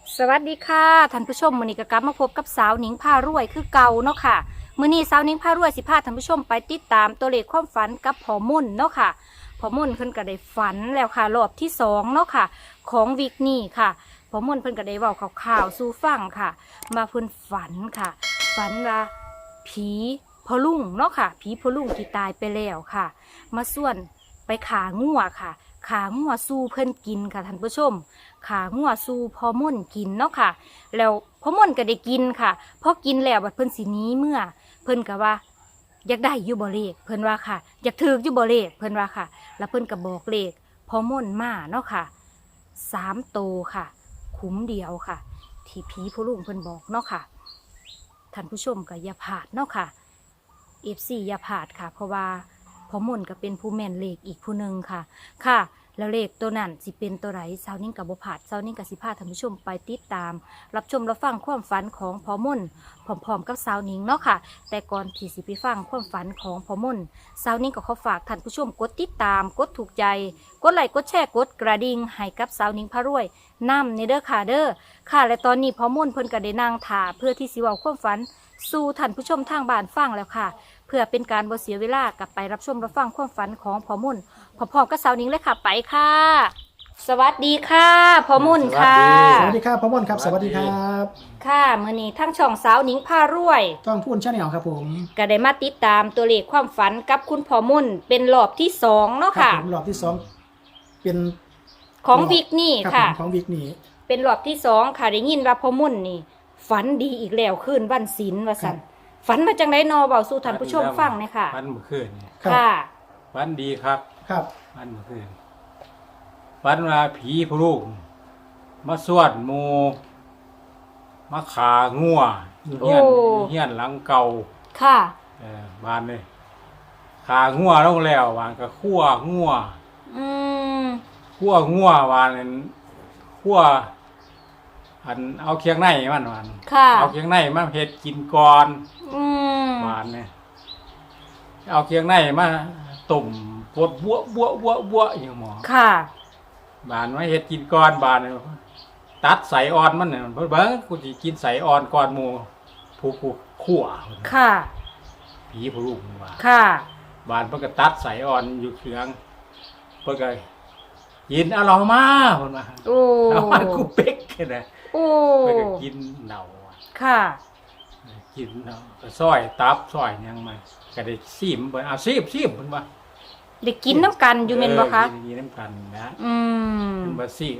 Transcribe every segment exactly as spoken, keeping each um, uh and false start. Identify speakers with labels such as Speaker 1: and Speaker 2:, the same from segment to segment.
Speaker 1: สวัสดีค่ะท่านผู้ชมมื้อนี้ก็กลับมาพบกับสาวหนิงพารวยคือเก่าเนาะค่ะมื้อนี้สาวหนิงพารวยสิพาท่านผู้ชมไปติดตามตัวเลขความฝันกับพ่อมุ่นเนาะค่ะพ่อมุ่นเพิ่นก็ได้ฝันแล้วค่ะรอบที่สองเนาะค่ะของวิกนี้ค่ะพ่อมุ่นเพิ่นก็ได้เว้าข่าวๆสู่ฟังค่ะมาเพิ่นฝันค่ะ ฝันว่าผีพ่อลุงเนาะค่ะผีพ่อลุงที่ตายไปแล้วค่ะ มาส่วนไปขางัวค่ะขางัวสู้เพิ่นกินค่ะท่านผู้ชมขางัวสู้พ่อม่นกินเนาะค่ะ แล้วพ่อม่นก็ได้กินค่ะพอกินแล้วบัดเพิ่นสิหนีเมื่อ เพิ่นก็ว่าอยากได้อยู่บ่เลขเพิ่นว่าค่ะอยากถืออยู่บ่เลขเพิ่นว่าค่ะ แล้วเพิ่นก็บอกเลขพ่อม่นมาเนาะค่ะสามโตค่ะ คุ้มเดียวค่ะ ที่ผีพ่อลุงเพิ่นบอกเนาะค่ะท่านผู้ชมก็อย่าพลาดเนาะค่ะ เอฟ ซี อย่าพลาดค่ะ เพราะว่าพ่อมุ่นก็เป็นผู้แม่นเลขอีกผู้หนึ่งค่ะค่ะ แล้วเลขตัวนั้นสิเป็นตัวไหนเช้านี้กับบ่พลาดเช้านี้กับสิพาท่านผู้ชมไปติดตาม รับชมรับฟังความฝันของพ่อมุ่นพร้อมๆกับสาวหนิงเนาะค่ะ แต่ก่อนที่สิไปฟังความฝันของพ่อมุ่นสาวหนิงก็ขอฝากท่านผู้ชมกดติดตามกดถูกใจกดไลค์กดแชร์กดกระดิ่งให้กับสาวหนิงพารวยนำในเด้อค่ะเด้อค่ะและตอนนี้พ่อมุ่นเพิ่นก็ได้นั่งท่าเพื่อที่สิเว้าความฝันสู่ท่านผู้ชมทางบ้านฟังแล้วค่ะเพื่อเป็นการบ่เสียเวลากลับไปรับชมรับฟังความฝันของพ่อมุ่นพร้อมๆกับสาวหนิงเลยค่ะไปค่ะ สวัสดีค่ะพ่อมุ่นค่ะ
Speaker 2: สวัสดีครับพ่อม่อนครับสวัสดีครับ
Speaker 1: ค่ะมื้อนี้ทั้งช่องสาวหนิงพารวย
Speaker 2: ต้องพูดชาแนลครับผม
Speaker 1: ก็ได้มาติดตามตัวเลขความฝันกับคุณพ่อมุ่นเป็นรอบที่สองเนาะ
Speaker 2: ครั
Speaker 1: ค่ะ
Speaker 2: ผมรอบที่สองเป็น
Speaker 1: ของวิกนี่
Speaker 2: รับ
Speaker 1: ค่ะ
Speaker 2: ผมของวิกนี่
Speaker 1: เป็นรอบที่สองค่ะได้ยินว่าพ่อมุ่นนี่ ฝันดีอีกแล้วคืนวันศีลว่าซั่นฝันมาจังได๋นอเว้าสู่ท่านผู้ชมฟังหน่อยค่ะ
Speaker 3: วันเมื่อคืนนี่
Speaker 2: ครับ
Speaker 1: ค่ะ
Speaker 3: วันดีครับ
Speaker 2: ครับ
Speaker 3: วันเมื่อคืนวันว่าผีผู้ลูกมาสวดหมูมาขางัวอยู่เฮียน
Speaker 1: โอ้
Speaker 3: อยู่เฮียนหลังเก่า
Speaker 1: ค่ะ
Speaker 3: เออบ้านเลยขางัวลงแล้ววานก็คั่วงัว
Speaker 1: อืม
Speaker 3: คั่วงัววานนั้นคั่วอันเอาเคียงในมันวาน
Speaker 1: ค่ะ
Speaker 3: เอาเคียงในมาเฮ็ดกินก่อน
Speaker 1: อืม
Speaker 3: หวานเนี่ยเอาเคียงในมาต้มปวดบัวบัวบัวบัวอย่างหมอ
Speaker 1: ค่ะ
Speaker 3: บานมาเฮ็ดกินก่อนบานเนี่ยตัดใส่อ่อนมันเนี่ยเพิ่นเบิ่งกูสิกินใส่อ่อนก่อนหมู่ผู้ผู้คั่ว
Speaker 1: ค่ะ
Speaker 3: ผีผู้ลูกว่า
Speaker 1: ค่ะ
Speaker 3: บานเพิ่นก็ตัดใส่อ่อนอยู่เครื่องเพิ่นก็กินเอาเรามาเพิ่นว่า
Speaker 1: โอ้
Speaker 3: เอามากูเป๊กแค่นั้น
Speaker 1: โอ้
Speaker 3: เพิ่นก็กินเหน่า
Speaker 1: ค่ะ
Speaker 3: กินเหน่าก็ซอยตับซอยหยังมาก็ได้ซีมเพิ่นเอาซีมซีมเพิ่นว่า
Speaker 1: ได้กินน้ำกันอยู่เม่นบ่คะ
Speaker 3: เออกินน้ำกันนะ
Speaker 1: อืม
Speaker 3: เป็นบาซี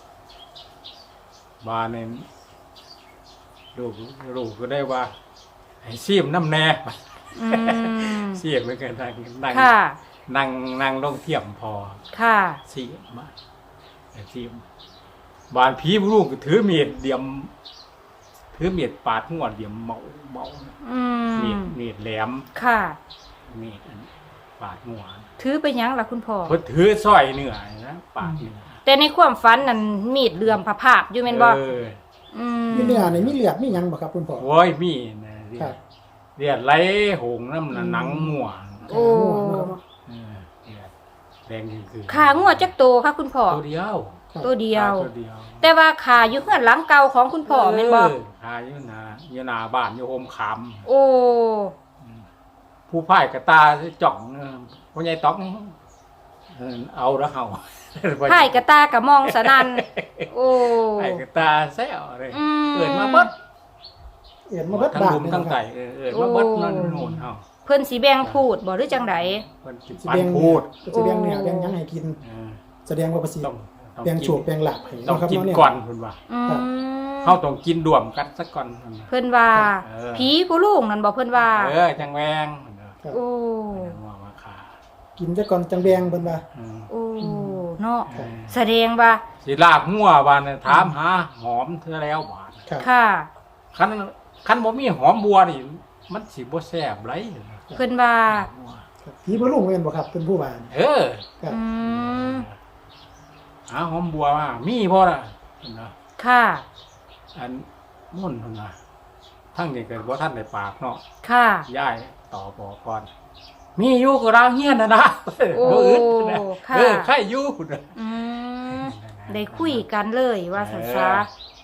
Speaker 3: บานเนี่ยลูกลูกก็ได้ว่าให้ซีมน้ำแน่
Speaker 1: อืม
Speaker 3: ซีมไม่เกินนั่งนั่ง
Speaker 1: ค่ะ
Speaker 3: นั่งนั่งลงเทียมพอ
Speaker 1: ค่ะ
Speaker 3: ซีมมาซีมบานผีลูกก็ถือมีดเดียมถือมีดปาดหัวเดียมเมาเมา
Speaker 1: อืม
Speaker 3: มีดมีดแหลม
Speaker 1: ค่ะ
Speaker 3: มีดอันปาดหัว
Speaker 1: ถือไปยังล่ะคุณพ่อ
Speaker 3: เพิ่นถือสร้อยเนื้อนะปาดเนื้อ
Speaker 1: แต่ในความฝันนั่นมีดเลื่อมผาภาพอยู่แม่นบ่
Speaker 3: เออ
Speaker 1: อืม
Speaker 2: มีเนื้อในมีเลือดมีหยังบ่ครับคุณพ่อ
Speaker 3: โอ้ยมีนะเลื
Speaker 2: ครั
Speaker 3: อบ ดเลือดไหลหงน้ำน่ะหนังหัว
Speaker 1: โอ้
Speaker 3: เออเลือดแดงคือ
Speaker 1: ขางัวจักโตค่ะคุณพ่อ
Speaker 3: ตัวเดียว
Speaker 2: ครับ
Speaker 1: ตัวเดียว
Speaker 3: ตัวเดียว
Speaker 1: แต่ว่าขาอยู่เฮือนหลังเก่าของคุณพ่อแม่นบ่
Speaker 3: เออหาอยู่นาอยู่นาบ้านอยู่โฮมค
Speaker 1: โอ้
Speaker 3: ำผู้พ่ายกระตาจ่องเออพ่อใหญ่ต้องเออเอาแล้วเฮา
Speaker 1: ไผ่กระตากระมองสนันโอ้
Speaker 3: พ่ายกระตาแซวเลย
Speaker 1: อืม
Speaker 3: เกิดมาเบิด
Speaker 2: เอ็ดมาเบิด
Speaker 3: ทั้ง
Speaker 2: บาท
Speaker 3: ลุม
Speaker 2: เลย
Speaker 3: ทั้ง
Speaker 2: นะค
Speaker 3: ไก่
Speaker 2: รับ
Speaker 3: เออเออมาเบิดนั่นโน่นเฮา
Speaker 1: เพิ่นสิแบ่งพูดบ่หรือจังได
Speaker 3: เพิ่นสิ
Speaker 2: สิ
Speaker 3: ปัน
Speaker 2: แบ่ง
Speaker 3: พูด
Speaker 2: จะแบ่งเนื้อแบ่งหยังให้กิน
Speaker 3: เออ
Speaker 2: แสดงว่าประสิท
Speaker 3: ต้อง
Speaker 2: ธิ์
Speaker 3: ต้อง
Speaker 2: แบ่ง
Speaker 3: กิ
Speaker 2: โฉบแบ่งหลับให้
Speaker 3: ต้อง
Speaker 2: เนาะครับ
Speaker 3: กิน
Speaker 2: เนาะเนี่ย
Speaker 3: ก่อนเพิ่นว่า
Speaker 1: อืม
Speaker 3: เฮาต้องกินร่วมกันสักก่อนเพิ่นว่า
Speaker 1: เพิ่นว่า
Speaker 3: เออ
Speaker 1: ผีผู้ลูกนั่นบอกเพิ่นว่า
Speaker 3: เออจังแวงเพิ่นว่า
Speaker 2: ครับ
Speaker 1: โอ้
Speaker 3: เพิ่นว่ามาขา
Speaker 2: กินซะก่อนจังแบ่งเพิ่นว่า
Speaker 3: อืม
Speaker 1: โอ้เนาะ
Speaker 3: เออ
Speaker 1: แสดงว่า
Speaker 3: สิลากหัวบานเนี่ยถามหาหอมเธอแล้วบาน
Speaker 2: ครับ
Speaker 1: ค่ะ
Speaker 3: คันคันบ่มีหอมบัวนี่มันสิบ่แซ่บไร
Speaker 1: เพิ่นว่า
Speaker 2: ครับผีบ่ลุงแม่นบ่ครับเพิ่นผู้ว่า
Speaker 3: เออ
Speaker 2: ครับ
Speaker 1: อืม
Speaker 3: หาหอมบัวมามีบ่ล่ะเพิ่นว่า
Speaker 1: ค่ะ
Speaker 3: อันมุ่นเพิ่นว่าทั้งนี้ก็บ่ทันได้ปากเนาะ
Speaker 1: ค่ะ
Speaker 3: ยายต่อบอกก่อน มีอยู่ก็รางเฮียนน่ะนะ
Speaker 1: โอ้
Speaker 3: บ่อึดนะ
Speaker 1: ค่ะ
Speaker 3: เออใครอยู่พุ่นน่ะ
Speaker 1: อืมได้คุยกันเลยว่าสันซะ
Speaker 3: เ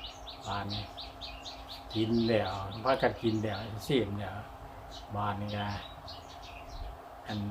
Speaker 3: บานนี่กินแล้วพากันกินแล้วเสียมแล้วบานนี่ก็อัน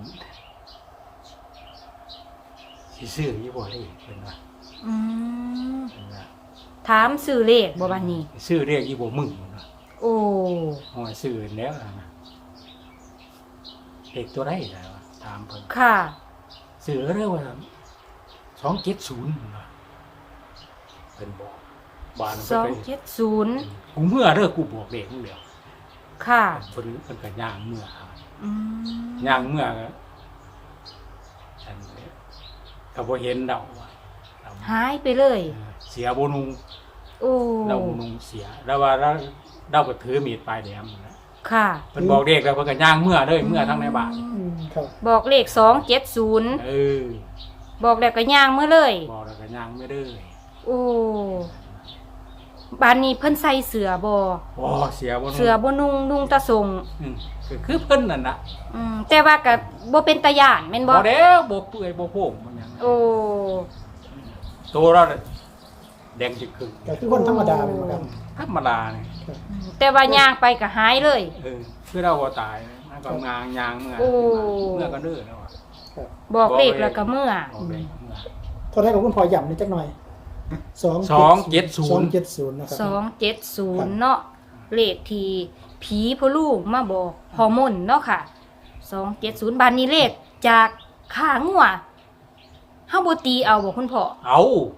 Speaker 3: สิซื้อยี่บ่ได้เพิ่นว่า
Speaker 1: อืม
Speaker 3: เพิ่นว่า
Speaker 1: ถามซื้อเลขบ่บัดนี้
Speaker 3: ซื้อเรียกยี่บ่มึงเพิ่นว่า
Speaker 1: โอ้
Speaker 3: โอ้ยซื้อแล้วนะเด็กตัวได้แล้วะถามเพิ่น
Speaker 1: ค่ะ
Speaker 3: ซื้อเรียกว่าสองเจ็ดศูนย์เพิ่นบอกบาน
Speaker 1: ส
Speaker 3: เพิ่น
Speaker 1: อง
Speaker 3: ไป
Speaker 1: เจ็ดศูนย์
Speaker 3: กูเมื่อเด้อกูบอกเด็กมึงเดียว
Speaker 1: ค่ะ
Speaker 3: เพิ่นเพิ่นก็ย่างเมื่อ
Speaker 1: อืม
Speaker 3: ย่างเมื่อก็ฉันก็บ่เห็นดอกว่าเรา
Speaker 1: หายไปเลย
Speaker 3: เออเสียบ่นุง
Speaker 1: โอ้
Speaker 3: เราบ่นุงเสีย แล้วว่าเราเราก็ถือมีดปลายแหลมนั่นแหละ
Speaker 1: ค่ะ
Speaker 3: เพิ่นบอกเด็กแล้วเพิ่นก็ย่างเมื่อเด้อเมื่อทั้งในบ้าน
Speaker 2: อืมครับ
Speaker 1: บอกเลขสองเจ็ดศูนย์
Speaker 3: เออ
Speaker 1: บอกแล้วก็ย่างเมื่อเลย
Speaker 3: บอกแล้วก็ย่างไม่เด้อ
Speaker 1: โอ้บ้านนี้เพิ่นใส่เสือบ่
Speaker 3: โอ้เสียบ่นุง
Speaker 1: เสือบ่นุ่งนุ่งตะทรง
Speaker 3: อืมก็คือเพิ่นนั่นน่ะ
Speaker 1: อืมแต่ว่าก็บ่เป็นตาย่านแม่นบ่
Speaker 3: บ่เด้อบ่เปื่อยบ่โผงมันหยัง
Speaker 1: โอ้
Speaker 3: ตัวเราน่ะแดงจึกครึ่ง
Speaker 2: ก็คือคนธรรมดาเป็นบ่ครับ
Speaker 3: ธรรมดานี่
Speaker 1: แต่ว่าย่างไปก็หายเลย
Speaker 3: เออคือเราบ่ตายมันก็งางยางเมื่อ
Speaker 1: โอ้
Speaker 3: เมื่อก็เด้อแล้วอะ
Speaker 2: ครับ
Speaker 1: บอกเลขแล้วก็เมื่อ
Speaker 3: บอกเลยเมื่อ
Speaker 2: เท่าไหร่กับคุณพ่อย้ำนิดจักหน่อยสอง
Speaker 3: สองเจ็ดศูนย์
Speaker 2: สองเจ็ดศูนย์นะครับ
Speaker 1: สองเจ็ดศูนย์เนาะเลขที่ผีพ่อลูกมาบอกฮอร์โมนเนาะค่ะสองเจ็ดศูนย์บานนี้เลขจากขางัวเฮาบ่ตีเอาบ่คุณพ่อ
Speaker 3: เอา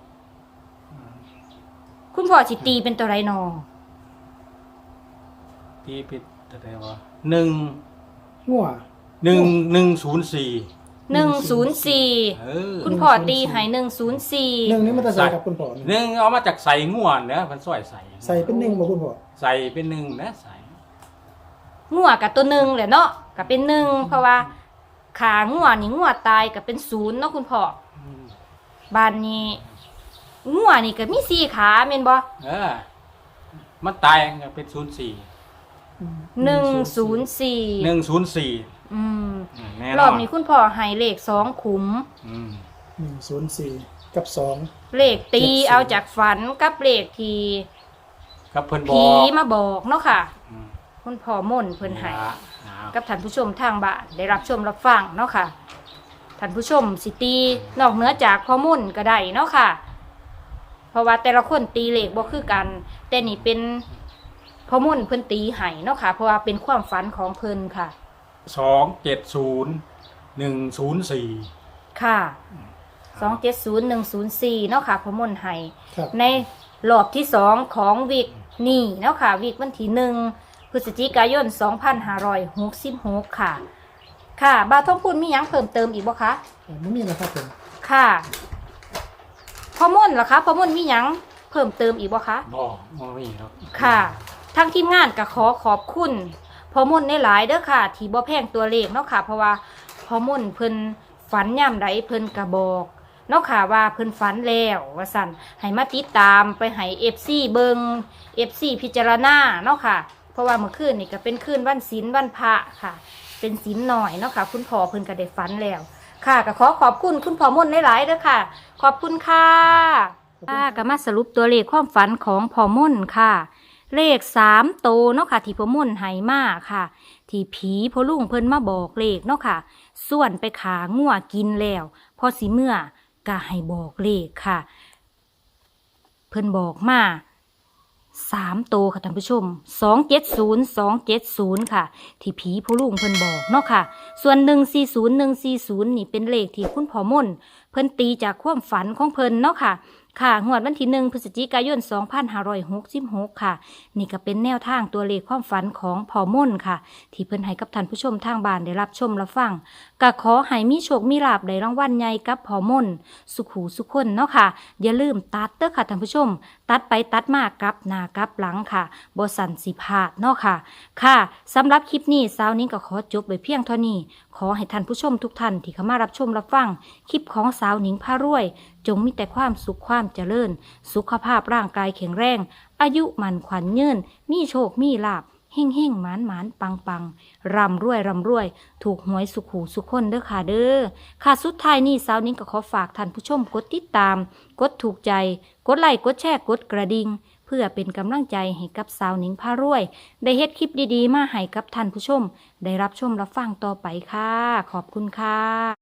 Speaker 1: คุณพ่อสิตีเป็นตัวไรนอ
Speaker 3: ที่ผิดแต่ว่าหนึ่ง
Speaker 2: งัว
Speaker 3: หนึ่งหนึ่งศูนย์สี่
Speaker 1: หนึ่งศูนย์สี่
Speaker 3: เออ
Speaker 1: คุณพ่อตีให้หนึ่งศูนย์สี่
Speaker 2: หนึ่งนี้มันจะใส่กับคุณพ่อนี่
Speaker 3: หนึ่งเอามาจากใส่ง่วนเนอะมันซอยใส่
Speaker 2: ใส่เป็นหนึ่งบ่คุณพ่อ
Speaker 3: ใส่เป็นหนึ่งนะใส่
Speaker 1: งัวกับตัวหนึ่งแหละเนาะก็เป็นหนึ่งเพราะว่าขางัวนี่งัวตายก็เป็นศูนย์เนาะคุณพ่อ
Speaker 3: อืม
Speaker 1: บ้านนี้งัวนี่ก็มีสี่ขาแม่นบ่
Speaker 3: เออมันตายก็เป็นศูนย์สี่
Speaker 1: หนึ่งศูนย์สี่
Speaker 3: หนึ่งศูนย์สี่
Speaker 1: อืม
Speaker 3: แน่
Speaker 1: ร
Speaker 3: น
Speaker 1: อ
Speaker 3: อบ น
Speaker 1: นี้คุณพ่อให้เลขสองขุม
Speaker 3: อืม
Speaker 2: หนึ่งศูนย์สี่กับสอง
Speaker 1: เลขตีเอาจากฝันกับเลขที่
Speaker 3: กับเพิ่นบ
Speaker 1: ผี
Speaker 3: อก
Speaker 1: มาบอกเนาะค่ะ
Speaker 3: อืม
Speaker 1: คุณพ่อม่นเพิ่นให้
Speaker 3: ละเอา
Speaker 1: กับท่านผู้ชมทางบ้านได้รับชมรับฟังเนาะค่ะท่านผู้ชมสิตีนอกเหนือจากข้อมูลก็ได้เนาะค่ะ เพราะว่าแต่ละคนตีเลขบ่คือกัน แต่นี่เป็นข้อมูลเพิ่นตีให้เนาะค่ะ เพราะว่าเป็นความฝันของเพิ่นค่ะ
Speaker 3: สองเจ็ดศูนย์หนึ่งศูนย์สี่
Speaker 1: ค่ะสองเจ็ดศูนย์หนึ่งศูนย์สี่เนาะค่ะข้อมูลให้
Speaker 2: ครับ
Speaker 1: ในรอบที่สองของวิกนี่เนาะค่ะวิกวันที่หนึ่งพฤศจิกายนสองพันห้าร้อยหกสิบหกค่ะ ค่ะบาวทองพูนมีหยังเพิ่มเติมอีกบ่คะ
Speaker 2: อ่าไม่มีนะครับผม
Speaker 1: ค่ะพ่อม่นเหรอคะพ่อม่นมีหยังเพิ่มเติมอีกบ่คะ
Speaker 3: บอกบ่มีครับ
Speaker 1: ค่ะทางทีมงานก็ขอขอบคุณพ่อม่นในหลายๆเด้อค่ะ ที่บ่แพงตัวเลขเนาะค่ะ เพราะว่าพ่อม่นเพิ่นฝันย่ำใดเพิ่นก็บอกเนาะค่ะว่าเพิ่นฝันแล้วว่าสั่นให้มาติดตามไปให้ เอฟ ซี เบิง เอฟ ซี พิจารณาเนาะค่ะ เพราะว่าเมื่อคืนนี่ก็เป็นคืนวันศีลวันพระค่ะ เป็นศีลหน่อยเนาะค่ะ คุณพ่อเพิ่นก็ได้ฝันแล้ว ค่ะก็ขอขอบคุณคุณพ่อม่นหลายๆเด้อค่ะ ขอบคุณค่ะค่ะก็มาสรุปตัวเลขความฝันของพ่อม่นค่ะ เลขสามโตวเนาะค่ะ ที่พ่อม่นให้มาค่ะ ที่ผีพ่อลุงเพิ่นมาบอกเลขเนาะค่ะ ส่วนไปขางัวกินแล้วพอสิเมื่อก็ให้บอกเลขค่ะ เพิ่นบอกมาสามโตวค่ะท่านผู้ชมสองเจ็ดศูนย์สองเจ็ดศูนย์ค่ะ ที่ผีพ่อลุงเพิ่นบอกเนาะค่ะ ส่วนหนึ่งสี่ศูนย์หนึ่งสี่ศูนย์นี่เป็นเลขที่คุณพ่อม่นเพิ่นตีจากความฝันของเพิ่นเนาะค่ะ ค่ะงวดวันที่หนึ่งพฤศจิกายนสองพันห้าร้อยหกสิบหกค่ะ นี่ก็เป็นแนวทางตัวเลขความฝันของพ่อม่นค่ะ ที่เพิ่นให้กับท่านผู้ชมทางบ้านได้รับชมรับฟังก็ขอให้มีโชคมีลาภได้รางวัลใหญ่กับพ่อม่นสุขหูสุขคนเนาะค่ะ อย่าลืมตัดเด้อค่ะท่านผู้ชม ตัดไปตัดมากลับหน้ากลับหลังค่ะบ่สั่นสิพลาดเนาะค่ะ ค่ะสำหรับคลิปนี้สาวนิ้งก็ขอจบไว้เพียงเท่านี้ ขอให้ท่านผู้ชมทุกท่านที่เข้ามารับชมรับฟังคลิปของสาวหนิงพารวย จงมีแต่ความสุขความเจริญ สุขภาพร่างกายแข็งแรง อายุมันขวัญยืนมีโชคมีลาภเฮ่งเฮ่งหมานหมานปังปังร่ำรวยร่ำรวย ถูกหวยสุขหูสุขคนเด้อค่ะเด้อค่ะสุดท้ายนี้สาวนิ้งก็ขอฝากท่านผู้ชมกดติดตาม กดถูกใจ กดไลค์กดแชร์กดกระดิ่งเพื่อเป็นกำลังใจให้กับสาวนิ้งพารวย ได้เฮ็ดคลิปดีๆมาให้กับท่านผู้ชม ได้รับชมรับฟังต่อไปค่ะ ขอบคุณค่ะ